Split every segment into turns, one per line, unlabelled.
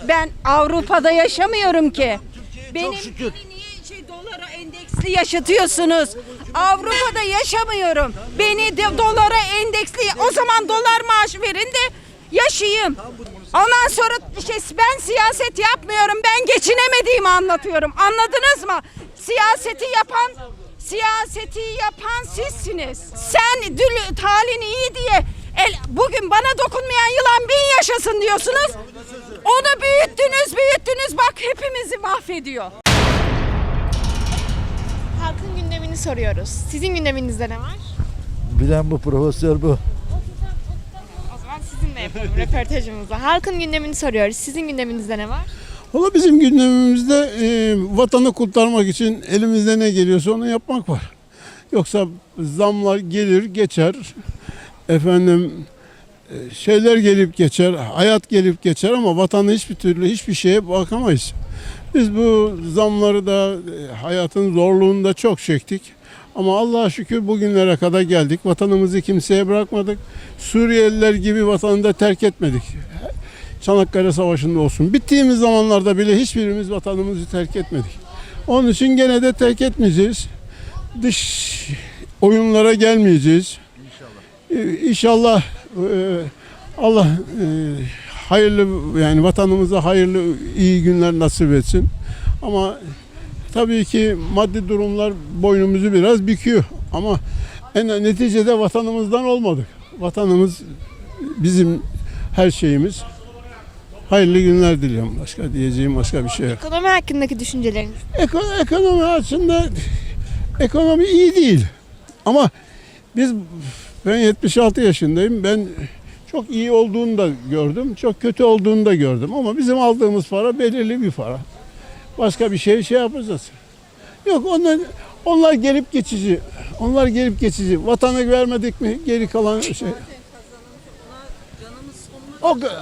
Ben Avrupa'da yaşamıyorum ki. Benim
Çok şükür.
beni niye dolara endeksli yaşatıyorsunuz? Avrupa'da yaşamıyorum. Beni de dolara endeksli, o zaman dolar maaşı verin de yaşayayım. Ondan sonra ben siyaset yapmıyorum. Ben geçinemediğimi anlatıyorum. Anladınız mı? Siyaseti yapan sizsiniz. Sen talin iyi diye bugün bana dokunmayan yılan bin yaşasın diyorsunuz. Onu büyüttünüz. Bak hepimizi mahvediyor.
Halkın gündemini soruyoruz. Sizin gündeminizde ne var?
Bilen bu, profesör bu.
O zaman sizinle yapalım röportajımızı. Halkın gündemini soruyoruz. Sizin gündeminizde ne var?
Valla bizim gündemimizde vatanı kurtarmak için elimizde ne geliyorsa onu yapmak var. Yoksa zamlar gelir geçer, şeyler gelip geçer, hayat gelip geçer ama vatanı hiçbir şeye bakamayız. Biz bu zamları da hayatın zorluğunu da çok çektik. Ama Allah'a şükür bugünlere kadar geldik. Vatanımızı kimseye bırakmadık. Suriyeliler gibi vatanı da terk etmedik. Çanakkale Savaşı'nda olsun. Bittiğimiz zamanlarda bile hiçbirimiz vatanımızı terk etmedik. Onun için gene de terk etmeyeceğiz. Dış oyunlara gelmeyeceğiz. İnşallah Allah hayırlı, yani vatanımıza hayırlı iyi günler nasip etsin. Ama tabii ki maddi durumlar boynumuzu biraz büküyor. Ama neticede vatanımızdan olmadık. Vatanımız bizim her şeyimiz. Hayırlı günler diliyorum. Başka diyeceğim başka bir şey yok.
Ekonomi hakkındaki düşünceleriniz.
Ekonomi açısından ekonomi iyi değil. Ama ben 76 yaşındayım. Ben çok iyi olduğunu da gördüm. Çok kötü olduğunu da gördüm. Ama bizim aldığımız para belirli bir para. Başka bir şey yapacağız. Yok, onlar gelip geçici. Onlar gelip geçici. Vatanı vermedik mi geri kalan şey. O kadar.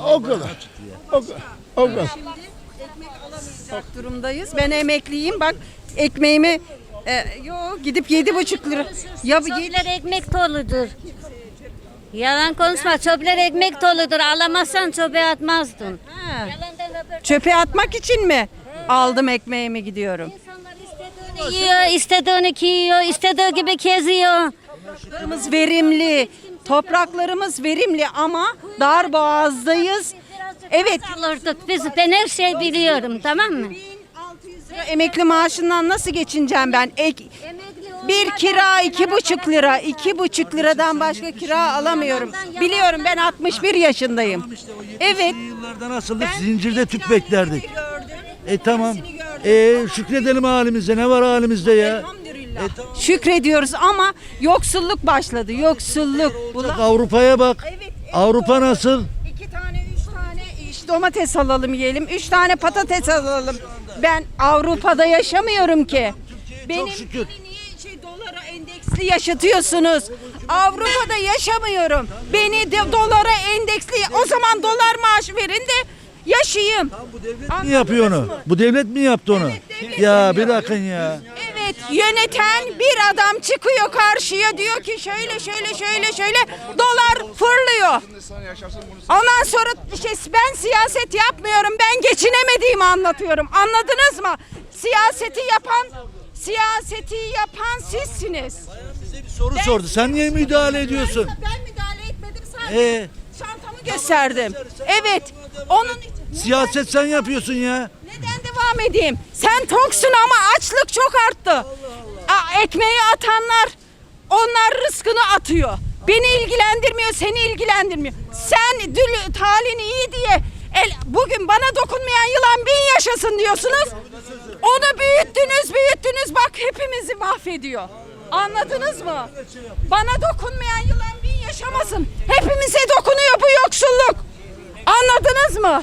O kadar.
Şimdi ekmek alamayacak durumdayız. Ben emekliyim. Bak ekmeğimi gidip 7,5 lira. Ya
Çöpler ekmek doludur. Yalan konuşma. Çöpler ekmek doludur. Alamazsan çöpe atmazdın. Yalandan röportaj.
çöpe atmak için mi aldım ekmeğimi gidiyorum?
İnsanlar istediğini yiyor, istediğini giyiyor, istediği gibi geziyor.
Topraklarımız verimli. Topraklarımız verimli ama dar boğazdayız. Evet.
Alırdık biz. Ben her şeyi biliyorum, tamam mı?
1600 lira emekli maaşından nasıl geçineceğim ben? Bir kira 2,5 lira. 2,5 liradan başka kira alamıyorum. Biliyorum, ben 61 yaşındayım. Evet.
Yıllarda nasıldık? Zincirde tüp beklerdik. Tamam. Şükredelim halimize. Ne var halimizde ya?
Elhamdülillah. Şükrediyoruz ama yoksulluk başladı. Yoksulluk.
Avrupa'ya bak.
Evet.
Avrupa nasıl?
2 tane 3 tane domates alalım yiyelim. 3 tane patates alalım. Ben Avrupa'da yaşamıyorum ki. Benim
şükür.
beni niye dolara endeksli yaşatıyorsunuz? Avrupa'da yaşamıyorum. Beni de dolara endeksli, o zaman dolar maaşı verin de yaşayayım.
Bu devlet mi yapıyor onu? Bu devlet mi yaptı onu?
devlet
Ya bırakın ya.
Evet, yöneten bir adam çıkıyor karşıya, diyor ki şöyle dolar fırlıyor. Ondan sonra ben siyaset yapmıyorum. Ben geçinemediğimi anlatıyorum. Anladınız mı? Siyaseti yapan sizsiniz.
Bize bir soru sordu. Sen niye müdahale ediyorsun?
Ben müdahale etmedim, sadece çantamı gösterdim. Evet. Onun için
Siyaset sen yapıyorsun ya.
neden devam edeyim? Sen toksun ama açlık çok arttı. Ekmeği atanlar, onlar rızkını atıyor. Beni ilgilendirmiyor, seni ilgilendirmiyor. Sen talin iyi diye bugün bana dokunmayan yılan bin yaşasın diyorsunuz. Onu büyüttünüz. Bak hepimizi mahvediyor. Anladınız mı? Bana dokunmayan yılan bin yaşamasın. Hepimize dokunuyor bu yoksulluk. Anladınız mı?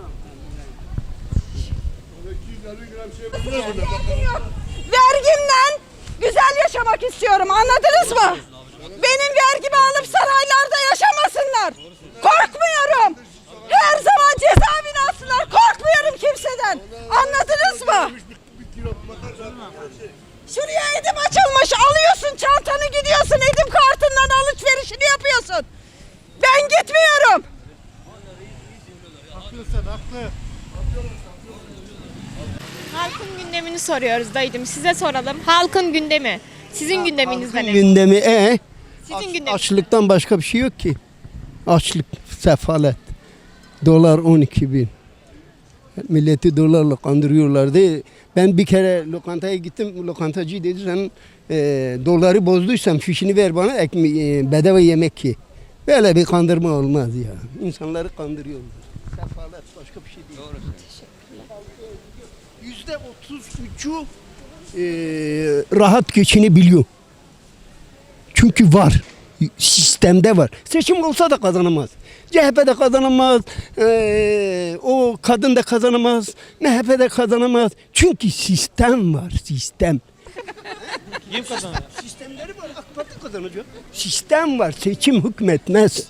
Vergimden güzel yaşamak istiyorum. Anladınız mı? Benim vergimi alıp saraylarda yaşamasınlar. Korkmuyorum. Her zaman cezaevine alsınlar. Korkmuyorum kimseden. Anladınız mı? Şuraya Edim açılmış. Alıyorsun çantanı, gidiyorsun. Edim kartından alışverişini yapıyorsun. Ben gitmiyorum.
Haklısın, haklı.
Halkın gündemini soruyoruz dayıcım. Size soralım. Halkın gündemi. Sizin gündeminizde ne?
Gündemi
Sizin gündeminiz.
açlıktan başka bir şey yok ki. Açlık, sefalet. Dolar 12 bin. Milleti dolarla kandırıyorlardı. Ben bir kere lokantaya gittim. Lokantacı dedi sen doları bozduysan fişini ver bana bedava yemek ye. Böyle bir kandırma olmaz ya. İnsanları kandırıyorlar. Sefalet başka bir şey değil. Doğru. %33'ü rahat geçinebiliyor. Çünkü var. Sistemde var. Seçim olsa da kazanamaz. CHP de kazanamaz. O kadın da kazanamaz. MHP de kazanamaz. Çünkü sistem var. Sistem.
Kim kazanıyor?
Sistemleri var. AK Parti kazanacak. Sistem var. Seçim hükmetmez.